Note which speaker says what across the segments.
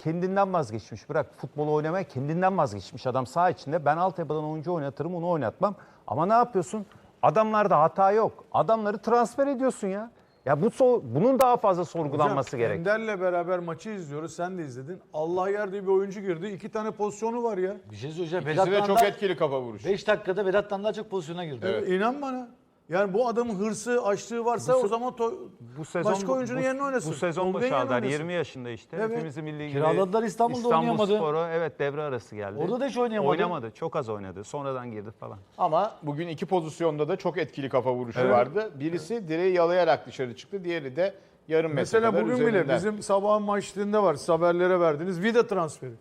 Speaker 1: kendinden vazgeçmiş. Bırak futbolu oynamaya kendinden vazgeçmiş adam saha içinde. Ben altyapıdan oyuncu oynatırım, onu oynatmam. Ama ne yapıyorsun? Adamlarda hata yok. Adamları transfer ediyorsun ya. Ya bunun daha fazla sorgulanması gerek.
Speaker 2: Ender'le beraber maçı izliyoruz. Sen de izledin. Allah yer diye bir oyuncu girdi. 2 tane pozisyonu var ya.
Speaker 3: Bir şey söyleyeceğim.
Speaker 4: İkisi de çok etkili kafa vuruşu.
Speaker 3: 5 dakikada Vedat'tan daha çok pozisyona girdi.
Speaker 4: Evet.
Speaker 2: İnan bana. Yani bu adamın hırsı, açlığı varsa o zaman başka oyuncunun yerine oynasın.
Speaker 1: Bu sezon
Speaker 2: Tolga'nın yerine
Speaker 1: başardılar.
Speaker 2: oynasın.
Speaker 1: 20 yaşında işte.
Speaker 2: Evet.
Speaker 1: Hepimizin milli gibi.
Speaker 3: Kiraladılar, İstanbul'da oynayamadı.
Speaker 1: İstanbulspor'a evet devre arası geldi.
Speaker 3: Orada da hiç oynayamadı.
Speaker 1: Oynamadı. Çok az oynadı. Sonradan girdi falan.
Speaker 4: Ama bugün iki pozisyonda da çok etkili kafa vuruşu vardı. Birisi direği yalayarak dışarı çıktı. Diğeri de yarım metre
Speaker 2: Mesela
Speaker 4: kadar
Speaker 2: bugün
Speaker 4: üzerinden.
Speaker 2: bile bizim sabahın maçlarında var. Siz haberlere verdiniz. Vida transferi.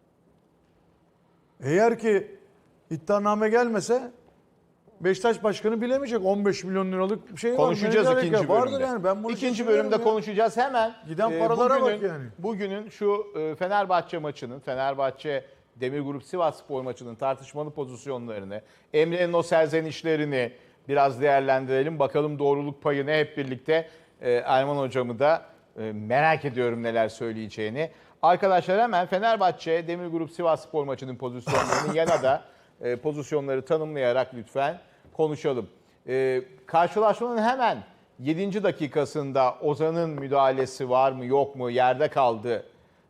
Speaker 2: Eğer ki iddianame gelmese Beşiktaş Başkanı bilemeyecek. 15 milyon liralık bir şey var.
Speaker 4: Konuşacağız
Speaker 2: Menajer
Speaker 4: ikinci
Speaker 2: ya. Vardır
Speaker 4: bölümde.
Speaker 2: yani. Ben bunu
Speaker 4: İkinci
Speaker 2: düşünüyorum
Speaker 4: bölümde
Speaker 2: ya.
Speaker 4: konuşacağız hemen.
Speaker 2: Giden paralara bak yani.
Speaker 4: Bugünün şu Fenerbahçe maçının, Fenerbahçe Demirgrup Sivasspor maçının tartışmalı pozisyonlarını, Emre'nin o serzenişlerini biraz değerlendirelim. Bakalım doğruluk payını hep birlikte Erman hocamı da merak ediyorum neler söyleyeceğini. Arkadaşlar hemen Fenerbahçe Demirgrup Sivasspor maçının pozisyonlarını yana da pozisyonları tanımlayarak lütfen konuşalım. Karşılaşmanın hemen 7. dakikasında Ozan'ın müdahalesi var mı yok mu, yerde kaldı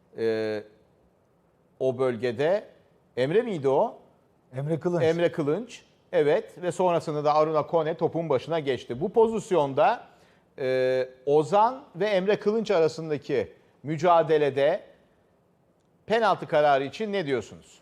Speaker 4: o bölgede. Emre miydi o?
Speaker 3: Emre Kılınç.
Speaker 4: Emre Kılınç. Evet ve sonrasında da Aruna Kone topun başına geçti. Bu pozisyonda Ozan ve Emre Kılınç arasındaki mücadelede penaltı kararı için ne diyorsunuz?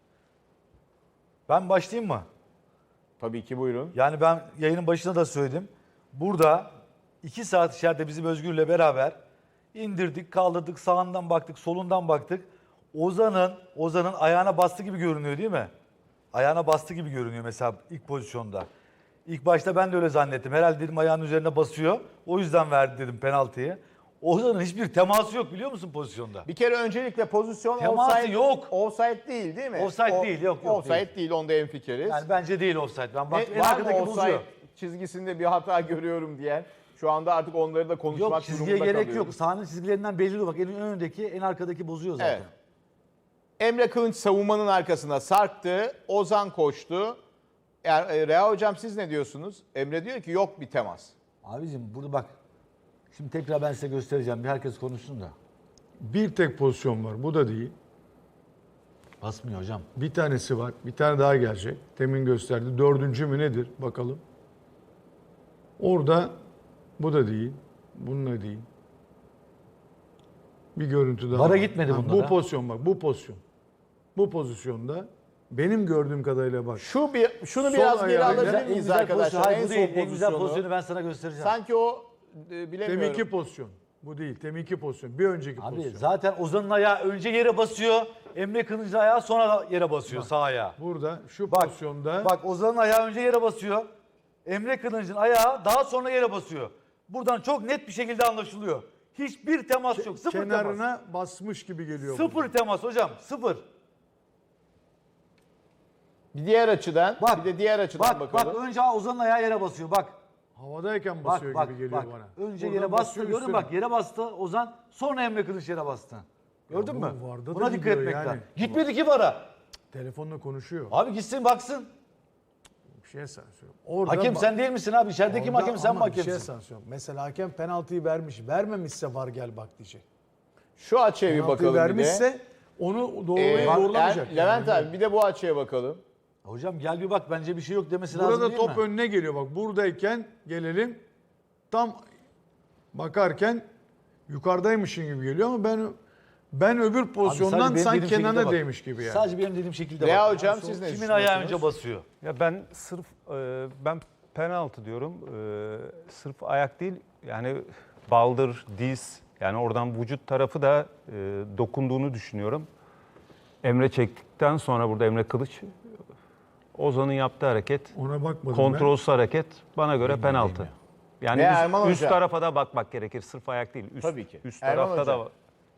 Speaker 3: Ben başlayayım mı?
Speaker 4: Tabii ki buyurun.
Speaker 3: Yani ben yayının başında da söyledim. Burada 2 saat içeride bizim Özgür'le beraber indirdik, kaldırdık, sağından baktık, solundan baktık. Ozan'ın ayağına bastı gibi görünüyor değil mi? Ayağına bastı gibi görünüyor mesela ilk pozisyonda. İlk başta ben de öyle zannettim. Herhalde dedim ayağının üzerine basıyor. O yüzden verdi dedim penaltıyı. Ozan'ın hiçbir teması yok biliyor musun pozisyonda?
Speaker 4: Bir kere öncelikle pozisyon
Speaker 3: Teması
Speaker 4: offside
Speaker 3: yok.
Speaker 4: Offside değil mi?
Speaker 3: Offside değil, yok,
Speaker 4: Offside değil, onda hemfikiriz.
Speaker 3: Yani bence değil offside. Ben bak en
Speaker 4: Var mı
Speaker 3: arkadaki
Speaker 4: offside
Speaker 3: bozuyor.
Speaker 4: çizgisinde bir hata görüyorum diyen? Şu anda artık onları da konuşmak
Speaker 3: Yok çizgiye
Speaker 4: durumunda
Speaker 3: gerek
Speaker 4: kalıyoruz.
Speaker 3: yok. Sahanın çizgilerinden belli oluyor. Bak en öndeki en arkadaki bozuyor zaten.
Speaker 4: Evet. Emre Kılınç savunmanın arkasına sarktı. Ozan koştu. Rea hocam siz ne diyorsunuz? Emre diyor ki yok bir temas.
Speaker 3: Abicim burada bak. Şimdi tekrar ben size göstereceğim. Bir herkes konuşsun da.
Speaker 2: Bir tek pozisyon var. Bu da değil.
Speaker 3: Basmıyor hocam.
Speaker 2: Bir tanesi var. Bir tane daha gelecek. Temin gösterdi. 4. mü nedir? Bakalım. Orada bu da değil. Bununla değil. Bir görüntü daha
Speaker 3: Vara
Speaker 2: var.
Speaker 3: gitmedi
Speaker 2: Ha,
Speaker 3: bunlara.
Speaker 2: Bu pozisyon bak. Bu pozisyon. Bu pozisyonda benim gördüğüm kadarıyla bak.
Speaker 4: Şunu
Speaker 2: Sol
Speaker 4: biraz geri
Speaker 2: ayağıyla-
Speaker 4: alabilir miyiz arkadaşlar?
Speaker 3: Hayır,
Speaker 4: En
Speaker 3: bu
Speaker 4: son
Speaker 3: değil. En güzel
Speaker 4: pozisyonu.
Speaker 3: pozisyonu ben sana göstereceğim.
Speaker 4: Sanki o bilemiyorum.
Speaker 2: Teminki pozisyon. Bu değil. Teminki pozisyon. Bir önceki
Speaker 3: Abi
Speaker 2: pozisyon.
Speaker 3: zaten Ozan'ın ayağı önce yere basıyor. Emre Kılıç'ın ayağı sonra da yere basıyor sağ ayağı.
Speaker 2: Burada şu
Speaker 3: Bak,
Speaker 2: pozisyonda
Speaker 3: Bak Ozan'ın ayağı önce yere basıyor. Emre Kılıç'ın ayağı daha sonra yere basıyor. Buradan çok net bir şekilde anlaşılıyor. Hiçbir temas yok. Sıfır
Speaker 2: kenarına
Speaker 3: temas.
Speaker 2: basmış gibi geliyor.
Speaker 3: Sıfır temas hocam. Sıfır.
Speaker 4: Bir diğer açıdan,
Speaker 3: Bak,
Speaker 4: bir de diğer açıdan
Speaker 3: Bak
Speaker 4: bakalım.
Speaker 3: önce Ozan'ın ayağı yere basıyor. Bak.
Speaker 2: Havadayken
Speaker 3: Bak
Speaker 2: basıyor
Speaker 3: bak
Speaker 2: gibi geliyor
Speaker 3: bak.
Speaker 2: bana.
Speaker 3: Önce
Speaker 2: Oradan
Speaker 3: yere bastı.
Speaker 2: basıyor
Speaker 3: Gördün mü?
Speaker 2: üstüne.
Speaker 3: Bak yere bastı Ozan. Sonra Emre Kılıç yere bastı. Gördün
Speaker 2: bu
Speaker 3: mü?
Speaker 2: VAR'da da
Speaker 3: Buna dikkat
Speaker 2: gidiyor
Speaker 3: etmek
Speaker 2: yani.
Speaker 3: lazım. Gitmedi ki bara.
Speaker 2: Telefonla konuşuyor.
Speaker 3: Abi gitsin baksın.
Speaker 2: Bir şeye sansıyor. Orada
Speaker 3: Hakem sen değil misin abi? İçerideki
Speaker 2: orada
Speaker 3: hakem sen mi
Speaker 2: ama bir şeye
Speaker 3: hakemsin?
Speaker 2: sansıyor. Mesela hakem penaltıyı vermiş. Vermemişse var gel bak diyecek.
Speaker 4: Şu açıya bir
Speaker 2: Penaltıyı
Speaker 4: bakalım bir de.
Speaker 2: vermişse onu doğrulamayacak.
Speaker 4: Levent
Speaker 2: yani.
Speaker 4: abi bir de bu açıya bakalım.
Speaker 3: Hocam gel bir bak bence bir şey yok demesi lazım
Speaker 2: Burada
Speaker 3: değil
Speaker 2: top
Speaker 3: mi?
Speaker 2: önüne geliyor bak. Buradayken gelelim. Tam bakarken yukarıdaymışın gibi geliyor ama ben öbür
Speaker 3: Abi
Speaker 2: pozisyondan
Speaker 3: sadece benim
Speaker 2: sanki
Speaker 3: dediğim şekilde
Speaker 2: kenarına
Speaker 3: bak.
Speaker 2: değmiş gibi yani.
Speaker 3: Sadece benim dediğim şekilde
Speaker 4: Veya
Speaker 3: bak.
Speaker 4: hocam siz ne
Speaker 3: Kimin ayağı
Speaker 4: düşünüyorsunuz?
Speaker 3: önce basıyor?
Speaker 1: Ya ben sırf ben penaltı diyorum. Sırf ayak değil yani baldır, diz yani oradan vücut tarafı da dokunduğunu düşünüyorum. Emre çektikten sonra burada Emre Kılıç Ozan'ın yaptığı hareket
Speaker 2: Ona bakmadım
Speaker 1: kontrolsüz hareket bana göre penaltı. Yani
Speaker 4: Ve Erman
Speaker 1: üst
Speaker 4: Hoca.
Speaker 1: tarafa da bakmak gerekir. Sırf ayak değil. Üst,
Speaker 4: Tabii ki.
Speaker 1: Üst
Speaker 4: Erman
Speaker 1: tarafta
Speaker 4: Hoca.
Speaker 1: da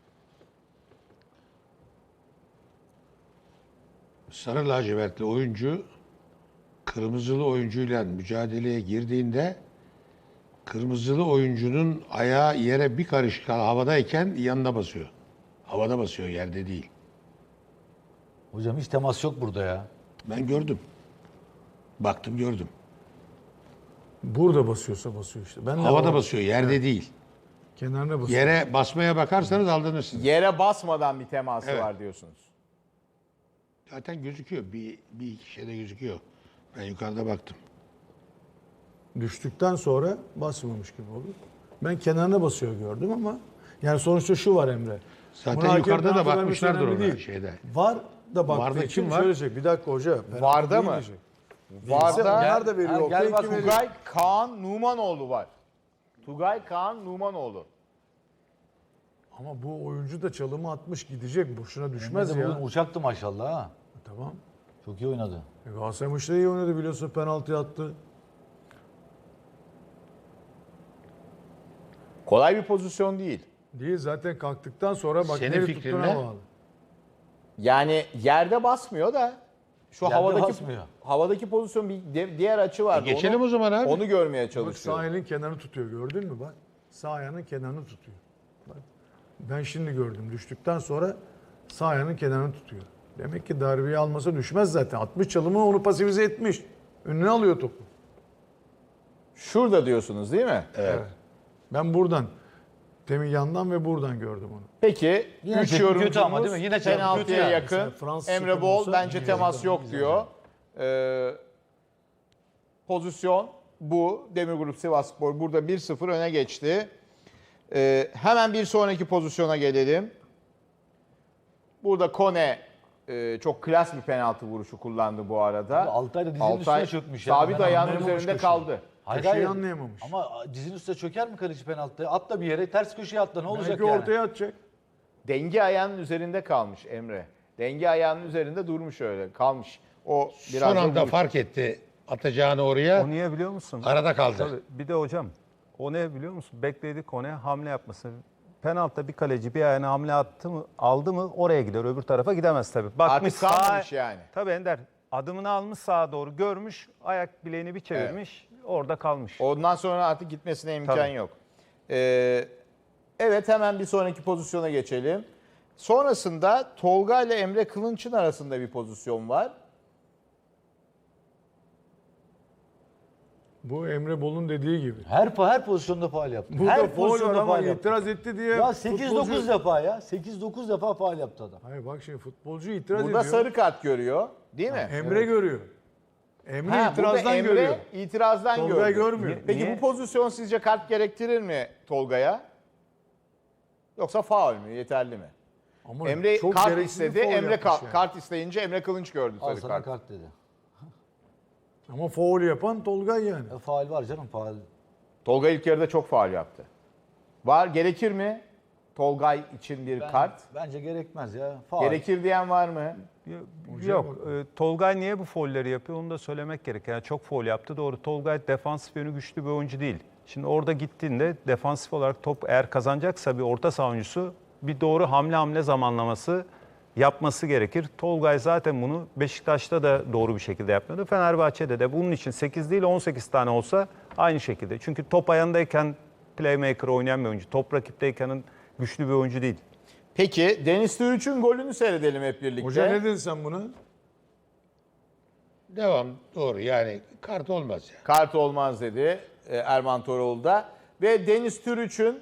Speaker 5: Sarı lacivertli oyuncu kırmızılı oyuncuyla mücadeleye girdiğinde kırmızılı oyuncunun ayağı yere bir karış havadayken yanına basıyor. Havada basıyor, yerde değil.
Speaker 3: Hocam hiç temas yok burada ya.
Speaker 5: Ben gördüm. Baktım gördüm.
Speaker 2: Burada basıyorsa basıyor işte. Ben de
Speaker 5: Havada basıyor, yerde değil.
Speaker 2: kenarına basıyor.
Speaker 5: Yere basmaya bakarsanız aldanırsınız.
Speaker 4: Yere basmadan bir teması
Speaker 5: Evet.
Speaker 4: var diyorsunuz.
Speaker 5: Zaten gözüküyor. Bir iki şeyde gözüküyor. Ben yukarıda baktım.
Speaker 2: Düştükten sonra basmamış gibi olur. Ben kenarına basıyor gördüm ama yani sonuçta şu var Emre.
Speaker 5: Zaten
Speaker 2: Buna hakem
Speaker 5: yukarıda da
Speaker 2: penaltı vermesi
Speaker 5: bakmışlardır
Speaker 2: önemli
Speaker 5: ona
Speaker 2: değil.
Speaker 5: şeyde.
Speaker 2: Var da baktığı
Speaker 5: Varda
Speaker 2: için
Speaker 5: kim var?
Speaker 2: şöyle diyecek. Bir dakika hoca. penaltı
Speaker 4: Varda
Speaker 2: değil
Speaker 4: mı?
Speaker 2: diyecek.
Speaker 4: Varda
Speaker 2: Onlar da veriyor.
Speaker 3: gel
Speaker 2: okey,
Speaker 3: bak,
Speaker 2: kim veriyor?
Speaker 4: Tugay Kaan Numanoğlu var. Tugay Kaan Numanoğlu.
Speaker 2: Ama bu oyuncu da çalımı atmış gidecek. Boşuna düşmez
Speaker 3: Emre de
Speaker 2: ya.
Speaker 3: bugün uçaktı maşallah ha.
Speaker 2: Tamam.
Speaker 3: Çok iyi oynadı.
Speaker 2: Galatasaray maçta iyi oynadı biliyorsun. Penaltı attı.
Speaker 4: Kolay bir pozisyon değil.
Speaker 2: Değil zaten kalktıktan sonra bak
Speaker 5: Senin
Speaker 2: nereye
Speaker 5: fikrin
Speaker 2: tuttuğuna
Speaker 5: ne?
Speaker 2: bağlı.
Speaker 4: Yani yerde basmıyor da şu
Speaker 3: Yerde
Speaker 4: havadaki
Speaker 3: basmıyor.
Speaker 4: havadaki pozisyon bir diğer açı vardı.
Speaker 5: Geçelim o zaman abi.
Speaker 4: Onu görmeye
Speaker 2: Bak
Speaker 4: çalışıyor.
Speaker 2: sağ elin kenarını tutuyor gördün mü bak. Sağ ayağının kenarını tutuyor. Bak. Ben şimdi gördüm. Düştükten sonra sağ ayağının kenarını tutuyor. Demek ki darbeyi almasa düşmez zaten. 60 çalımı onu pasifize etmiş. Önüne alıyor topu.
Speaker 4: Şurada diyorsunuz değil mi?
Speaker 2: Evet. Ben buradan, demin yandan ve buradan gördüm onu.
Speaker 4: Peki
Speaker 3: Yine
Speaker 4: 3
Speaker 3: çekim kötü ama
Speaker 4: yorumcumuz
Speaker 3: değil mi? Yine çekim
Speaker 4: penaltıya
Speaker 3: kötü yani.
Speaker 4: yakın.
Speaker 2: Mesela Fransız
Speaker 4: Emre
Speaker 2: çekim
Speaker 4: Bol
Speaker 2: olsa
Speaker 4: bence
Speaker 2: iyi
Speaker 4: temas
Speaker 2: olurdu.
Speaker 4: yok diyor. Pozisyon bu. Demirgrup Sivasspor burada 1-0 öne geçti. Hemen bir sonraki pozisyona gelelim. Burada Kone çok klas bir penaltı vuruşu kullandı bu arada.
Speaker 3: Altay da dizinin üstüne çökmüş ya.
Speaker 4: Sabit
Speaker 3: Ben
Speaker 4: ayağının
Speaker 2: anlayamamış
Speaker 4: üzerinde
Speaker 2: köşeyi.
Speaker 4: kaldı.
Speaker 3: Hayır,
Speaker 2: Köşeyi
Speaker 3: hayır.
Speaker 2: anlayamamış.
Speaker 3: Ama dizinin üstüne çöker mi kaleci penaltıya? Atla bir yere, ters köşeye atla. Ne olacak
Speaker 2: Belki
Speaker 3: yani?
Speaker 2: ortaya atacak.
Speaker 4: Denge ayağının üzerinde kalmış Emre. Denge ayağının üzerinde durmuş öyle. Kalmış. O biraz
Speaker 5: Son
Speaker 4: da
Speaker 5: anda
Speaker 4: vuruş.
Speaker 5: fark etti atacağını oraya.
Speaker 1: O niye biliyor musun?
Speaker 5: Arada kaldı.
Speaker 1: Tabii, bir de hocam o ne biliyor musun? Bekledi Kone hamle yapması. Penaltıda bir kaleci bir ayağına hamle attı mı, aldı mı oraya gider. Öbür tarafa gidemez tabii. Bakmış
Speaker 4: Artık kalmamış yani.
Speaker 1: Tabii Ender adımını almış sağa doğru görmüş. Ayak bileğini bir çevirmiş. Orada kalmış.
Speaker 4: Ondan sonra artık gitmesine imkan
Speaker 1: Tabii.
Speaker 4: yok. Evet hemen bir sonraki pozisyona geçelim. Sonrasında Tolga ile Emre Kılınç'ın arasında bir pozisyon var.
Speaker 2: Bu Emre Bol'un dediği gibi.
Speaker 3: Her pozisyonda faul yaptı.
Speaker 2: Burada
Speaker 3: her
Speaker 2: faul var
Speaker 3: pozisyonda
Speaker 2: ama
Speaker 3: faul yaptı.
Speaker 2: itiraz etti diye.
Speaker 3: Ya 8-9
Speaker 2: futbolcu-
Speaker 3: defa ya. 8-9 defa faul yaptı adam.
Speaker 2: Hayır bak şimdi futbolcu itiraz
Speaker 4: Burada
Speaker 2: ediyor.
Speaker 4: sarı kart görüyor değil mi?
Speaker 2: Emre görüyor. Emre
Speaker 4: Ha, burada
Speaker 2: itirazdan
Speaker 4: Emre
Speaker 2: görüyor.
Speaker 4: itirazdan
Speaker 2: Tolgay
Speaker 4: görüyor.
Speaker 2: görmüyor.
Speaker 4: Peki
Speaker 1: Niye?
Speaker 4: bu pozisyon sizce kart gerektirir mi Tolga'ya? Yoksa faul mü? Yeterli mi?
Speaker 2: Ama
Speaker 4: Emre
Speaker 2: çok
Speaker 4: kart
Speaker 2: gereksiz bir
Speaker 4: istedi.
Speaker 2: faul
Speaker 4: Emre
Speaker 2: yapmış yani.
Speaker 4: kart isteyince Emre Kılınç gördü
Speaker 3: Al
Speaker 4: sarı
Speaker 3: sana
Speaker 4: kart.
Speaker 3: kart dedi.
Speaker 2: Ama faul yapan Tolgay yani.
Speaker 3: Faul var canım faul.
Speaker 4: Tolga ilk yarıda çok faul yaptı. Var gerekir mi? Tolgay için bir kart.
Speaker 3: Bence gerekmez ya. Faul.
Speaker 4: Gerekir diyen var mı?
Speaker 1: Yok. Tolgay niye bu foulleri yapıyor onu da söylemek gerek. Yani çok foul yaptı doğru. Tolgay defansif yönü güçlü bir oyuncu değil. Şimdi orada gittiğinde defansif olarak top eğer kazanacaksa bir orta saha oyuncusu bir doğru hamle zamanlaması yapması gerekir. Tolgay zaten bunu Beşiktaş'ta da doğru bir şekilde yapmıyordu. Fenerbahçe'de de bunun için 8 değil 18 tane olsa aynı şekilde. Çünkü top ayağındayken playmaker oynayan bir oyuncu. Top rakipteyken güçlü bir oyuncu değil.
Speaker 4: Peki Deniz Türüç'ün golünü seyredelim hep birlikte.
Speaker 2: Hoca ne dedin sen buna?
Speaker 5: Devam doğru yani kart olmaz ya.
Speaker 4: Kart olmaz dedi Erman Toroğlu da. Ve Deniz Türüç'ün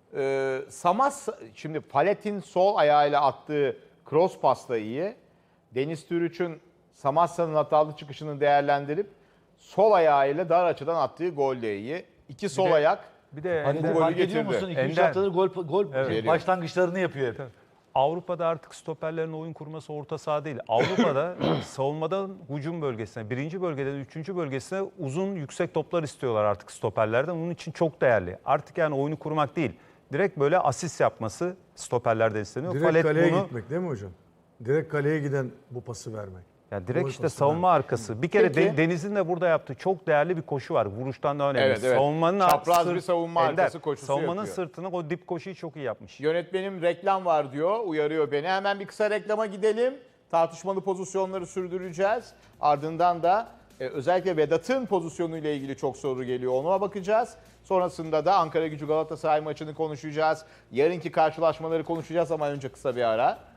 Speaker 4: şimdi Palet'in sol ayağıyla attığı cross pasta iyi. Deniz Türüç'ün Samassa'nın hatalı çıkışını değerlendirip sol ayağıyla dar açıdan attığı gol de iyi. İki sol
Speaker 1: de-
Speaker 4: ayak.
Speaker 1: Bir de
Speaker 3: Hani
Speaker 4: golü
Speaker 3: fark ediyor
Speaker 4: getirdi.
Speaker 3: musun? 2-3
Speaker 1: Ender.
Speaker 3: haftadır gol
Speaker 1: Evet.
Speaker 3: başlangıçlarını yapıyor hep.
Speaker 1: Avrupa'da artık stoperlerin oyun kurması orta saha değil. Avrupa'da savunmadan hücum bölgesine, birinci bölgeden üçüncü bölgesine uzun yüksek toplar istiyorlar artık stoperlerden. Bunun için çok değerli. Artık yani oyunu kurmak değil. Direkt böyle asist yapması stoperlerden isteniyor.
Speaker 2: Direkt
Speaker 1: Palet
Speaker 2: kaleye
Speaker 1: bunu,
Speaker 2: gitmek değil mi hocam? Direkt kaleye giden bu pası vermek.
Speaker 1: yani direkt
Speaker 2: Gol
Speaker 1: işte
Speaker 2: pası
Speaker 1: savunma arkası. Bir kere
Speaker 4: Peki.
Speaker 1: Deniz'in de burada yaptığı çok değerli bir koşu var. Vuruştan da önemli.
Speaker 4: Evet, evet.
Speaker 1: Savunmanın
Speaker 4: Çapraz bir savunma arkası koşusu
Speaker 1: savunmanın
Speaker 4: yapıyor.
Speaker 1: sırtına o dip koşuyu çok iyi yapmış.
Speaker 4: Yönetmenim reklam var diyor, uyarıyor beni. Hemen bir kısa reklama gidelim. Tartışmalı pozisyonları sürdüreceğiz. Ardından da Özellikle Vedat'ın pozisyonuyla ilgili çok soru geliyor. Ona bakacağız. Sonrasında da Ankara Gücü Galatasaray maçını konuşacağız. Yarınki karşılaşmaları konuşacağız ama önce kısa bir ara.